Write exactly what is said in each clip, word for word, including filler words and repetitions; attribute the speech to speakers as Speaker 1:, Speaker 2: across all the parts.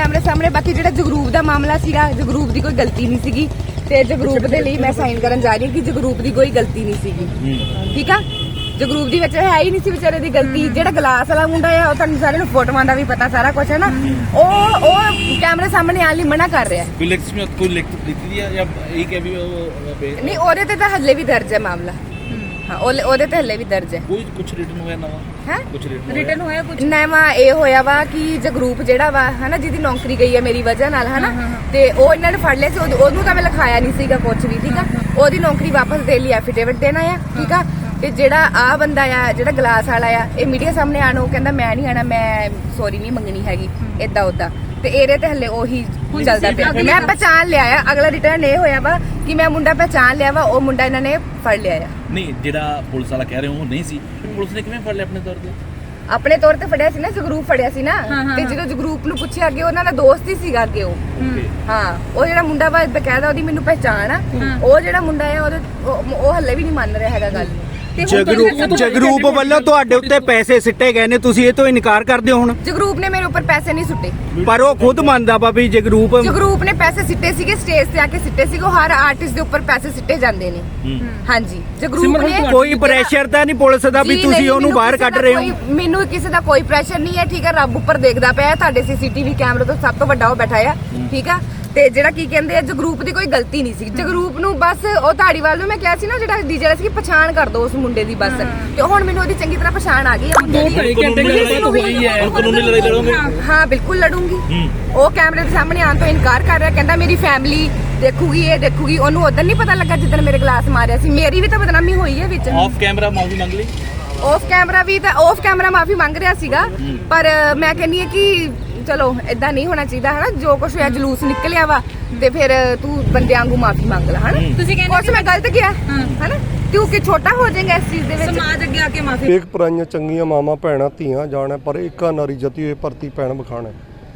Speaker 1: कैमरे सामने बाकी जो जगरूप का मामला सीगा जगरूप की कोई गलती नहीं सीगी ते जगरूप के लिए मैं साइन करन जा रही हूं कि जगरूप की कोई गलती नहीं सीगी ठीक है जगरूप दी विच है ही नहीं सी बेचारे दी गलती जेड़ा ग्लास वाला मुंडा है तुहानू सारे नूं फोटोआं दा भी पता सारा कुछ है ना ओ ओ कैमरे सामने आने लई मना कर रहा है
Speaker 2: कोई लिखत में कोई लिखत लिखी दी है या एक है भी
Speaker 1: नहीं ओदे ते तां हल्ले भी दर्ज है मामला हाँ ओदे ते हल्ले भी दर्ज है
Speaker 2: कोई कुछ रिटन होया नवा
Speaker 1: है
Speaker 2: कुछ रिटन
Speaker 3: रिटर्न होया कुछ
Speaker 1: नवा ये होया वा कि जगरूप जेड़ा वा है ना जिहदी नौकरी गई है मेरी वजह नाल है ना ते ओ इन्हां ने फड़ लिया सी ओदू तां मैं लिखाया नहीं सीगा कुछ भी ठीक है ओदी नौकरी वापस देण लई एफिडेविट देना है ठीक है ते जेड़ा आ बंदा आ जेड़ा ग्लास वाला आ ये मीडिया सामने आनो कहंदा मैं नहीं आना मैं सॉरी नहीं मंगनी हैगी इदा उदा ते एरे ते हल्ले ओही चलदा पिया मैं पहचान लिया है अगला रिटर्न ये होया वा कि मैं मुंडा पहचान लिया वा ओ मुंडा इन्हां ने फड़ लिया है
Speaker 2: नहीं जेड़ा पुलिस वाला कह रहे हो नहीं सी पुलिस ने किवें फड़ लिया अपने तौर ते
Speaker 1: ਆਪਣੇ ਤੌਰ ਤੇ ਫੜਿਆ ਸੀ ਨਾ ਜਗਰੂਪ ਫੜਿਆ ਸੀ ਨਾ ਤੇ ਜਦੋਂ ਜਗਰੂਪ ਨੂੰ ਪੁੱਛਿਆ ਅੱਗੇ ਉਹਨਾਂ ਦਾ ਦੋਸਤ ਹੀ ਸੀਗਾ ਅੱਗੇ ਉਹ ਹਾਂ ਉਹ ਜਿਹੜਾ ਮੁੰਡਾ ਵਾ ਬਕਾਇਦਾ ਉਹਦੀ ਮੈਨੂੰ ਪਹਿਚਾਣ ਆ ਉਹ ਜਿਹੜਾ ਮੁੰਡਾ ਆ ਉਹਦੇ ਉਹ ਹੱਲੇ ਵੀ ਨਹੀਂ ਮੰਨ ਰਿਹਾ ਹੈਗਾ ਗੱਲ
Speaker 4: ਜਗਰੂਪ ਜਗਰੂਪ ਵੱਲੋਂ ਤੁਹਾਡੇ ਉੱਤੇ ਪੈਸੇ ਸਿੱਟੇ ਗਏ ਨੇ ਤੁਸੀਂ ਇਹ ਤੋਂ ਇਨਕਾਰ ਕਰਦੇ ਹੋ ਹੁਣ
Speaker 1: ਜਗਰੂਪ ਨੇ ਮੇਰੇ ਉੱਪਰ ਪੈਸੇ ਨਹੀਂ ਸੁੱਟੇ
Speaker 4: ਪਰ ਉਹ ਖੁਦ ਮੰਨਦਾ ਵਾ ਵੀ ਜਗਰੂਪ
Speaker 1: ਜਗਰੂਪ ਨੇ ਪੈਸੇ ਸਿੱਟੇ ਸੀਗੇ ਸਟੇਜ ਤੇ ਆ ਕੇ ਸਿੱਟੇ ਸੀਗੇ ਹਰ ਆਰਟਿਸਟ ਦੇ ਉੱਪਰ ਪੈਸੇ ਸਿੱਟੇ ਜਾਂਦੇ ਨੇ ਹਾਂਜੀ ਜਗਰੂਪ ਨੇ
Speaker 4: ਕੋਈ ਪ੍ਰੈਸ਼ਰ ਤਾਂ ਨਹੀਂ ਪੁਲਿਸ ਦਾ ਵੀ ਤੁਸੀਂ ਉਹਨੂੰ ਬਾਹਰ ਕੱਢ ਰਹੇ ਹੋ
Speaker 1: ਮੈਨੂੰ ਕਿਸੇ ਦਾ ਕੋਈ ਪ੍ਰੈਸ਼ਰ ਨਹੀਂ ਹੈ ਠੀਕ ਹੈ ਰੱਬ ਉੱਪਰ ਦੇਖਦਾ ਪਿਆ ਤੁਹਾਡੇ ਸੀਸੀਟੀਵੀ ਕੈਮਰੇ ਤੋਂ ਸਭ ਤੋਂ ਵੱਡਾ ਉਹ ਬੈਠਾ ਆ ਠੀਕ ਆ ਤੇ ਜਿਹੜਾ ਕੀ ਕਹਿੰਦੇ ਆ ਜਗਰੂਪ ਦੀ ਕੋਈ ਗਲਤੀ ਨਹੀਂ ਸੀ ਜਗਰੂਪ ਨੂੰ ਬਸ ਉਹ ਧਾੜੀਵਾਲ ਨੂੰ ਮੈਂ ਕਿਹਾ ਸੀ ਨਾ ਜਿਹੜਾ ਡੀਜੇ ਵਾਲਾ ਸੀ ਪਛਾਣ ਕਰ ਦੋ ਉਸ ਮੁੰਡੇ ਦੀ ਬਸ ਤੇ ਹੁਣ ਮੈਨੂੰ ਉਹਦੀ ਚੰਗੀ ਤਰ੍ਹਾਂ ਪਛਾਣ ਆ ਗਈ ਆ
Speaker 2: ਦੋ ਢਾਈ ਘੰਟੇ ਗੱਲਬਾਤ ਹੋਈ ਹੈ ਕਾਨੂੰਨੀ ਲੜਾਈ ਲੜੋਗੇ
Speaker 1: ਹਾਂ ਬਿਲਕੁਲ ਲੜੂੰਗੀ ਉਹ ਕੈਮਰੇ ਦੇ ਸਾਹਮਣੇ ਆਉਣ ਤੋਂ ਇਨਕਾਰ ਕਰ ਰਿਹਾ ਕਹਿੰਦਾ ਮੇਰੀ ਫੈਮਿਲੀ ਦੇਖੂਗੀ ਇਹ ਦੇਖੂਗੀ ਉਹਨੂੰ ਉਦੋਂ ਨਹੀਂ ਪਤਾ ਲੱਗਾ ਜਿੱਦਣ ਮੇਰੇ ਗਲਾਸ ਮਾਰਿਆ ਸੀ ਮੇਰੀ ਵੀ ਤਾਂ ਬਦਨਾਮੀ ਹੋਈ ਹੈ ਵਿੱਚ
Speaker 2: ਆਫ ਕੈਮਰਾ ਮਾਫੀ ਮੰਗ ਲਈ
Speaker 1: ਆਫ ਕੈਮਰਾ ਵੀ ਤਾਂ ਆਫ ਕੈਮਰਾ ਮਾਫੀ ਮੰਗ ਰਿਹਾ ਸੀਗਾ ਪਰ ਮੈਂ ਕਹਿੰਨੀ ਹੈ ਕਿ ਚਲੋ ਇਦਾਂ ਨਹੀਂ ਹੋਣਾ ਚਾਹੀਦਾ ਹਨਾ ਜੋ ਕੁਝ ਹੋਇਆ ਜਲੂਸ ਨਿਕਲਿਆ ਵਾ ਤੇ ਫਿਰ ਤੂੰ ਬੰਦਿਆਂ ਵਾਂਗੂ ਮਾਫੀ ਮੰਗ ਲੈ ਹਨਾ
Speaker 3: ਤੁਸੀਂ ਕਹਿੰਦੇ
Speaker 1: ਕੁਝ ਮੈਂ ਗਲਤ ਕਿਹਾ ਹਨਾ ਤੂੰ ਕਿ ਛੋਟਾ ਹੋ ਜਾਏਗਾ ਇਸ ਚੀਜ਼ ਦੇ ਵਿੱਚ
Speaker 3: ਸਮਾਜ ਅੱਗੇ ਆ ਕੇ ਮਾਫੀ
Speaker 5: ਇੱਕ ਪਰਾਈਆਂ ਚੰਗੀਆਂ ਮਾਵਾਂ ਭੈਣਾਂ ਧੀਆਂ ਜਾਣਾ ਪਰ ਇੱਕਾ ਨਾਰੀ ਜਤੀ ਹੋਏ ਭਰਤੀ ਭੈਣ ਬਖਾਣਾ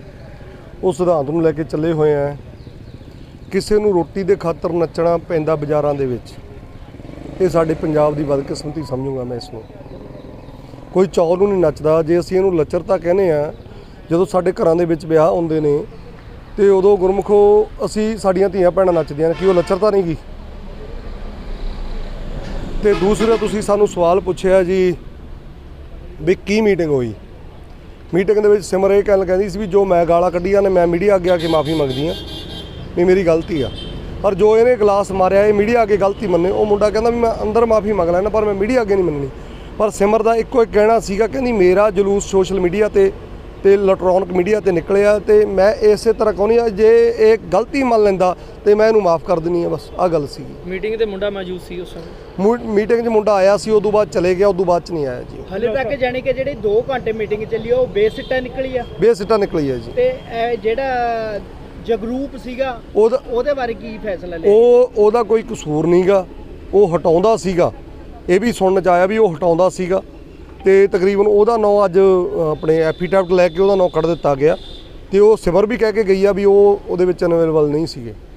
Speaker 5: ਉਸ ਸਿਧਾਂਤ ਨੂੰ ਲੈ ਕੇ ਚੱਲੇ ਹੋਏ ਆ ਕਿਸੇ ਨੂੰ ਰੋਟੀ ਦੇ ਖਾਤਰ ਨੱਚਣਾ ਪੈਂਦਾ ਬਾਜ਼ਾਰਾਂ ਦੇ ਵਿੱਚ ਇਹ ਸਾਡੇ ਪੰਜਾਬ ਦੀ ਬਦਕਿਸਮਤੀ ਸਮਝੂਗਾ ਮੈਂ ਇਸ ਨੂੰ ਕੋਈ ਚੌਲ ਨੂੰ ਨਹੀਂ ਨੱਚਦਾ ਜੇ ਅਸੀਂ ਇਹਨੂੰ ਲੱਚਰਤਾ ਕਹਿੰਦੇ ਆ ਜਦੋਂ ਸਾਡੇ ਘਰਾਂ ਦੇ ਵਿੱਚ ਵਿਆਹ ਹੁੰਦੇ ਨੇ ਤੇ ਉਦੋਂ ਗੁਰਮੁਖੋ ਅਸੀਂ ਸਾਡੀਆਂ ਧੀਆਂ ਭੈਣਾਂ ਨੱਚਦੀਆਂ ਨੇ ਕਿ ਉਹ ਲੱਚਰਤਾ ਨਹੀਂ ਗੀ ਤੇ ਦੂਸਰਾ ਤੁਸੀਂ ਸਾਨੂੰ ਸਵਾਲ ਪੁੱਛਿਆ ਜੀ ਵੀ ਕੀ ਮੀਟਿੰਗ ਹੋਈ ਮੀਟਿੰਗ ਦੇ ਵਿੱਚ ਸਿਮਰ ਇਹ ਗੱਲ ਕਹਿੰਦੀ ਸੀ ਵੀ ਜੋ ਮੈਂ ਗਾਲਾਂ ਕੱਢੀਆਂ ਨੇ ਮੈਂ ਮੀਡੀਆ ਅੱਗੇ ਆ ਕੇ ਮਾਫੀ ਮੰਗਦੀ ਆ ਵੀ ਮੇਰੀ ਗਲਤੀ ਆ ਪਰ ਜੋ ਇਹਨੇ ਗਲਾਸ ਮਾਰਿਆ ਇਹ ਮੀਡੀਆ ਅੱਗੇ ਗਲਤੀ ਮੰਨੇ ਉਹ ਮੁੰਡਾ ਕਹਿੰਦਾ ਵੀ ਮੈਂ ਅੰਦਰ ਮਾਫੀ ਮੰਗ ਲੈਣਾ ਪਰ ਮੈਂ ਮੀਡੀਆ ਅੱਗੇ ਨਹੀਂ ਮੰਨਣੀ ਪਰ ਸਿਮਰ ਦਾ ਇੱਕੋ ਇੱਕ ਕਹਿਣਾ ਸੀਗਾ ਕਹਿੰਦੀ ਮੇਰਾ ਜਲੂਸ ਸੋਸ਼ਲ ਮੀਡੀਆ ਤੇ ਤੇ ਇਲੈਕਟ੍ਰੋਨਿਕ ਮੀਡੀਆ ਤੇ ਨਿਕਲਿਆ ਤੇ ਮੈਂ ਇਸੇ ਤਰ੍ਹਾਂ ਕਹਿੰਦੀ ਆ ਜੇ ਇਹ ਗਲਤੀ ਮੰਨ ਲੈਂਦਾ ਤੇ ਮੈਂ ਇਹਨੂੰ ਮਾਫ ਕਰ ਦਿੰਨੀ ਆ ਬਸ ਆ ਗੱਲ ਸੀ
Speaker 6: ਮੀਟਿੰਗ ਤੇ ਮੁੰਡਾ ਮੌਜੂਦ ਸੀ ਉਸ ਸਮੇਂ
Speaker 5: ਮੀਟਿੰਗ 'ਚ ਮੁੰਡਾ ਆਇਆ ਸੀ ਉਦੋਂ ਬਾਅਦ ਚਲੇ ਗਿਆ ਉਦੋਂ ਬਾਅਦ 'ਚ ਨਹੀਂ ਆਇਆ ਜੀ
Speaker 6: ਹਲੇ ਤੱਕ ਜਾਨੀ ਕਿ ਜਿਹੜੀ ਦੋ ਘੰਟੇ ਮੀਟਿੰਗ ਚੱਲੀ ਉਹ ਬੇਸਿੱਟਾ ਨਿਕਲੀ ਆ
Speaker 5: ਬੇਸਿੱਟਾ ਨਿਕਲੀ ਆ ਜੀ
Speaker 6: ਤੇ ਇਹ ਜਿਹੜਾ ਜਗਰੂਪ ਸੀਗਾ
Speaker 5: ਉਹਦਾ
Speaker 6: ਉਹਦੇ ਬਾਰੇ ਕੀ ਫੈਸਲਾ ਲਿਆ
Speaker 5: ਉਹ ਉਹਦਾ ਕੋਈ ਕਸੂਰ ਨਹੀਂਗਾ ਉਹ ਹਟਾਉਂਦਾ ਸੀਗਾ ਇਹ ਵੀ ਸੁਣਨ 'ਚ ਆਇਆ ਵੀ ਉਹ ਹਟਾਉਂਦਾ ਸੀਗਾ ਤੇ ਤਕਰੀਬਨ ਉਹਦਾ ਨਾਂ ਅੱਜ ਆਪਣੇ ਐਫੀਡੈਵਿਟ ਲੈ ਕੇ ਉਹਦਾ ਨਾਂ ਕੱਢ ਦਿੱਤਾ ਗਿਆ ਤੇ ਉਹ ਸਿਮਰ ਵੀ ਕਹਿ ਕੇ ਗਈ ਆ ਵੀ ਉਹ ਉਹਦੇ ਵਿੱਚ ਅਵੇਲੇਬਲ ਨਹੀਂ ਸੀਗੇ।